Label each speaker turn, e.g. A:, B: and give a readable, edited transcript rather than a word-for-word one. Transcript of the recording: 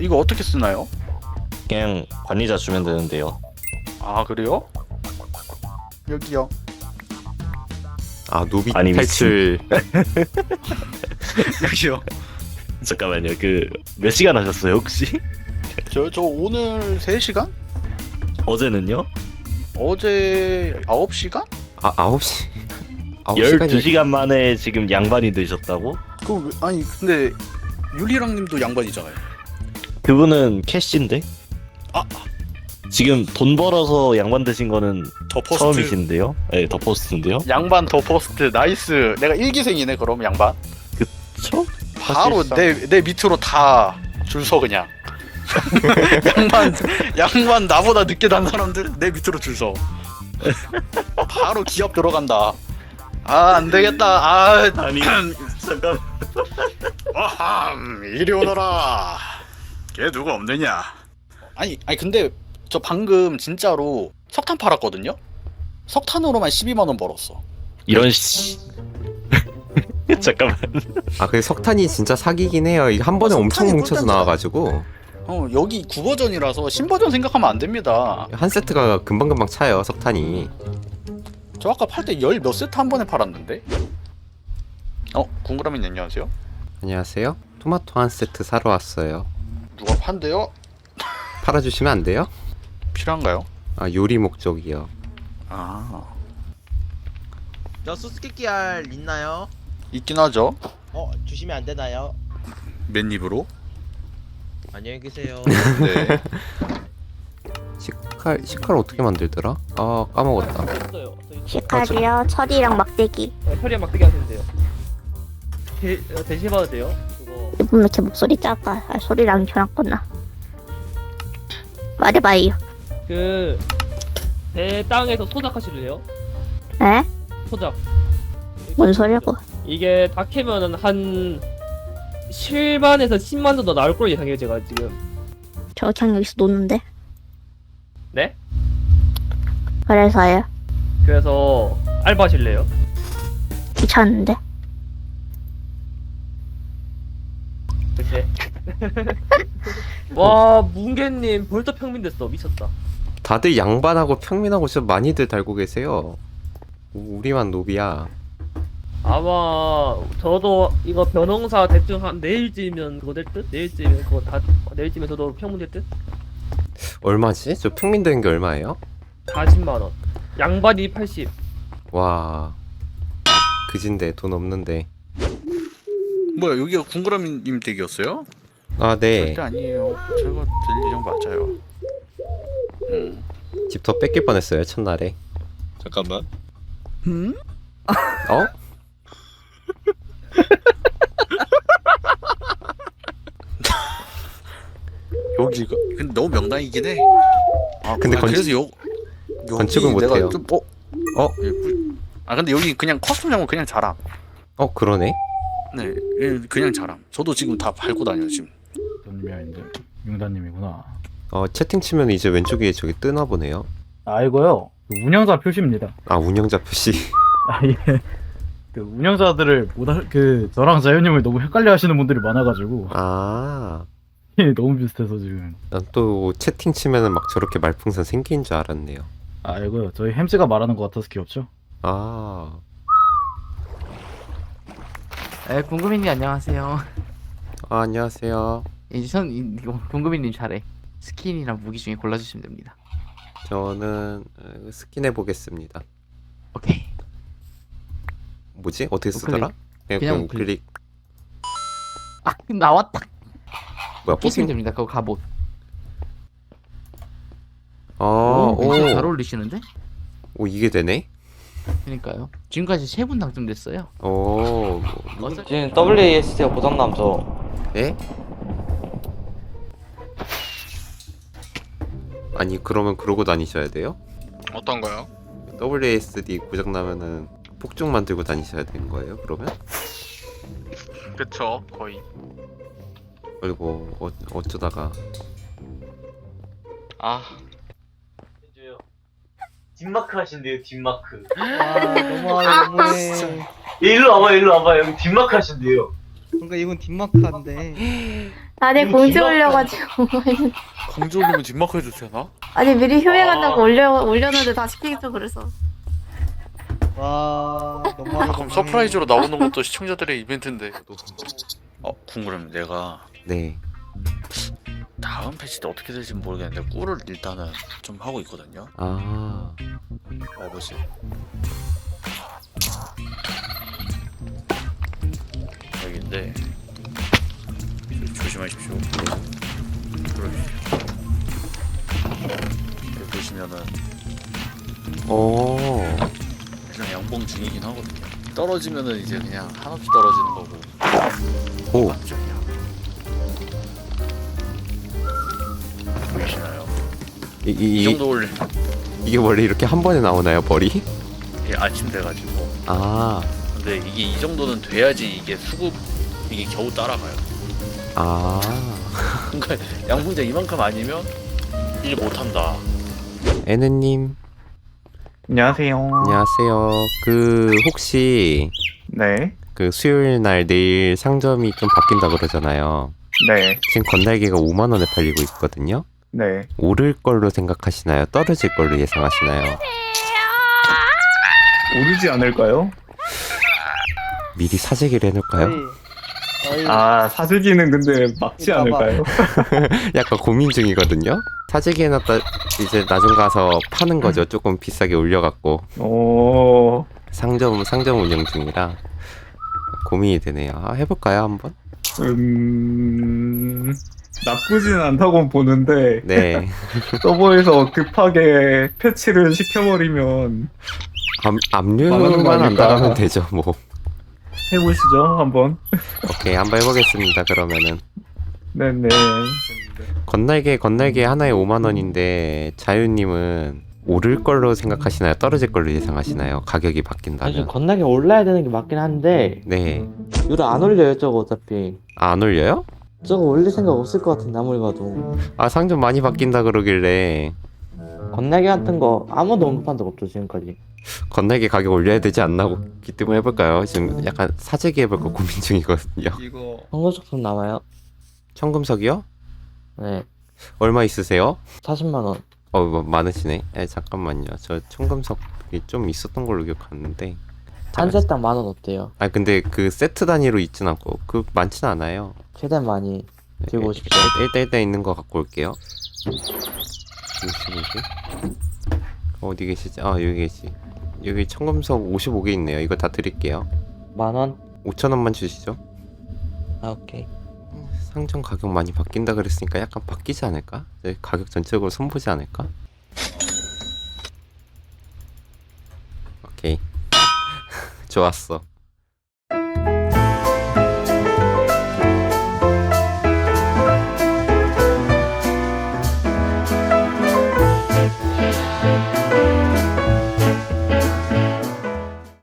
A: 이거 어떻게 쓰나요?
B: 그냥 관리자 주면 되는데요.
A: 아 그래요? 여기요.
C: 아 노비
B: 아니,
C: 탈출.
A: 여기요.
B: 잠깐만요. 그 몇 시간 하셨어요 혹시?
A: 저 오늘 3시간?
B: 어제는요?
A: 어제 9시간?
C: 아 9시. 9시간이
B: 12시간 만에 지금 양반이 되셨다고?
A: 아니 근데 유리랑님도 양반이잖아요.
B: 그분은 캐시인데?
A: 아.
B: 지금 돈 벌어서 양반 되신 거는
A: 더 포스트.
B: 처음이신데요? 네, 더 포스트인데요?
A: 양반 더 포스트 나이스. 내가 일기생이네 그럼 양반.
B: 그쵸?
A: 바로
B: 사실상.
A: 내 밑으로 다 줄 서 그냥. 양반 나보다 늦게 단 사람들 내 밑으로 줄 서. 바로 기업 들어간다. 아 안 되겠다. 아
B: 아니 잠깐.
A: 아함 이리 오너라. 걔 누구 없느냐? 아니 근데 저 방금 진짜로 석탄 팔았거든요. 석탄으로만 12만 원 벌었어.
B: 이런 씨. 잠깐만.
C: 아 근데 석탄이 진짜 사기긴 해요. 이게 한 번에 엄청
A: 석탄이
C: 뭉쳐서
A: 꿀단지야.
C: 나와가지고
A: 여기 9버전이라서 신버전 생각하면 안 됩니다.
C: 한 세트가 금방금방 차요 석탄이.
A: 저 아까 팔 때 열 몇 세트 한 번에 팔았는데? 궁그라미님 안녕하세요.
C: 안녕하세요. 토마토 한 세트 사러 왔어요.
A: 누가 판대요?
C: 팔아주시면 안 돼요?
A: 필요한가요?
C: 아 요리 목적이요.
A: 아
D: 저 수수께끼 알 있나요?
A: 있긴 하죠.
D: 주시면 안 되나요?
A: 맨입으로.
D: 안녕히 계세요.
A: 네.
C: 식칼 어떻게 만들더라? 아 까먹었다.
E: 없어요.
F: 시칼이요, 철이랑 막대기.
E: 혈이 막대기 하시면 돼요. 대신 받아도 돼요? 그거
F: 이분 왜 이렇게 목소리 작아? 아, 소리랑 저랑구나. 말해봐요.
E: 배 땅에서 소작하실래요?
F: 에?
E: 소작.
F: 뭔 소리고?
E: 이게 다 캐면은 한 7만에서 10만 정도 나올 걸로 예상해요 제가 지금.
F: 저 그냥 여기서 노는데.
E: 네?
F: 그래서요.
E: 그래서 알바하실래요?
F: 귀찮은데.
E: 글쎄. 와 뭉개님 벌써 평민 됐어. 미쳤다.
C: 다들 양반하고 평민하고 진짜 많이들 달고 계세요. 우리만 노비야.
E: 아마 저도 이거 변홍사 대충 한 내일쯤이면 그거 될 듯? 내일쯤이면 그거 다 내일쯤에 저도 평문 될 듯?
C: 얼마지? 저 평민 되는 게 얼마예요?
E: 40만원. 양반이 80.
C: 와 그진데 돈 없는데.
A: 뭐야 여기가 궁그라미님 댁이었어요?
C: 아 네.
A: 절대 아니에요. 제가 될 예정 맞아요.
C: 집 더 뺏길 뻔했어요 첫날에.
B: 잠깐만.
C: 어?
A: 여기가 근데 너무 명당이긴 해.
C: 근데
A: 그래서 여기
C: 건축은
A: 내가
C: 못해요.
A: 좀 근데 여기 그냥 커스텀장은 그냥 자람.
C: 그러네.
A: 네, 그냥 자람. 저도 지금 다 밟고 다녀요 지금.
G: 님이 아닌데 융다님이구나.
C: 채팅 치면 이제 왼쪽에 저기 뜨나 보네요.
G: 아 이거요. 운영자 표시입니다.
C: 아 운영자 표시.
G: 아 예. 그 운영자들을 저랑 자연님을 너무 헷갈려하시는 분들이 많아가지고
C: 아.
G: 너무 비슷해서 지금.
C: 난 또 채팅 치면은 막 저렇게 말풍선 생긴 줄 알았네요.
G: 아 이거요. 저희 햄스가 말하는 것 같아서 귀엽죠?
C: 아.
H: 궁금이님 안녕하세요.
C: 안녕하세요.
H: 이거 궁금이님 잘해. 스킨이랑 무기 중에 골라주시면 됩니다.
C: 저는 스킨 해보겠습니다.
H: 오케이.
C: 뭐지? 어떻게 쓰더라?
H: 그냥
C: 우클릭.
H: 아 나왔다.
C: 뭐야?
H: 끼시면
C: 뽑힌.
H: 됩니다. 그거 갑옷.
C: 오.
H: 굉장히 잘 어울리시는데?
C: 오 이게 되네?
H: 그러니까요. 지금까지 3분 당첨됐어요.
C: 오.
I: 지금 WASD가 고장나면서
C: 예? 아니 그러면 그러고 다니셔야 돼요?
A: 어떤 거요?
C: WASD 고장 나면은 폭죽만 들고 다니셔야 되는 거예요? 그러면?
A: 그쵸 거의.
C: 그리고 어쩌다가
I: 뒷마크 하신대요. 뒷마크.
H: 아 너무해.
I: 일로 와봐. 여기 뒷마크 하신대요.
D: 뭔가 이건 뒷마크한데.
F: 아니 공지 올려가지고
J: 공지 올리면 뒷마크 해도 되나?
F: 아니 미리 휴회한다고 올렸는데 다 시키겠죠 그래서.
D: 와 너무
J: 아, 그럼 서프라이즈로 나오는 것도 시청자들의 이벤트인데.
A: 궁금해. 내가
C: 네.
A: 다음 패치 때 어떻게 될지 모르겠는데 꿀을 일단은 좀 하고 있거든요.
C: 아,
A: 뭐지? 여기인데 조심하십시오. 여기 보시면은
C: 오,
A: 그냥 양봉 중이긴 하거든요. 떨어지면은 이제 그냥 한없이 떨어지는 거고.
C: 오,
A: 깜짝이야. 보이시나요? 이 정도 올리.
C: 이게 원래 이렇게 한 번에 나오나요, 벌이?
A: 이게 아침 돼가지고.
C: 아,
A: 근데 이게 이 정도는 돼야지 이게 수급 이게 겨우 따라가요.
C: 아.
A: 그러니까 양봉자 이만큼 아니면 일 못한다.
C: 에느님,
G: 안녕하세요.
C: 안녕하세요. 그, 혹시,
G: 네.
C: 그 수요일 날 내일 상점이 좀 바뀐다 그러잖아요.
G: 네.
C: 지금 건날개가 5만원에 팔리고 있거든요.
G: 네.
C: 오를 걸로 생각하시나요? 떨어질 걸로 예상하시나요?
G: 오르지 않을까요?
C: 미리 사재기를 해놓을까요?
G: 아, 사재기는 근데 막지 않을까요?
C: 약간 고민 중이거든요. 사재기 해놨다 이제 나중 가서 파는 거죠. 조금 비싸게 올려갖고
G: 오.
C: 상점 운영 중이라 고민이 되네요. 해볼까요 한번?
G: 나쁘진 않다고 보는데
C: 네.
G: 서버에서 급하게 패치를 시켜버리면
C: 압류만 안 당하면 되죠 뭐.
G: 해보시죠 한번.
C: 오케이 한번 해보겠습니다. 그러면은
G: 네네.
C: 건날개 하나에 5만원인데 자유님은 오를 걸로 생각하시나요? 떨어질 걸로 예상하시나요? 가격이
I: 사실
C: 바뀐다면?
I: 건나게 올라야 되는 게 맞긴 한데
C: 네.
I: 이거 안 올려요 저거 어차피.
C: 안 올려요?
I: 저거 올릴 생각 없을 것 같은데 아무리 봐도.
C: 아 상점 많이 바뀐다 그러길래
I: 건나게 같은 거 아무도 언급한 적 없죠 지금까지.
C: 건날개 가격 올려야 되지 않나 기뜸을 해볼까요? 지금 약간 사재기 해볼까 고민 중이거든요.
D: 이거
I: 청금석선 나와요?
C: 청금석이요?
I: 네.
C: 얼마 있으세요?
I: 40만 원.
C: 뭐 많으시네. 잠깐만요. 저 청금석이 좀 있었던 걸로 기억하는데.
I: 한 세당 10,000원 어때요?
C: 아 근데 그 세트 단위로 있진 않고 그 많진 않아요.
I: 최대한 많이 들고 오십시오.
C: 일단 있는 거 갖고 올게요. 어디 계시지? 아 여기 계시. 여기 청금석 55개 있네요. 이거 다 드릴게요.
I: 10,000원?
C: 5,000원만 주시죠.
I: 아 오케이.
C: 상점 가격 많이 바뀐다 그랬으니까 약간 바뀌지 않을까? 가격 전체적으로 손보지 않을까? 오케이. 좋았어.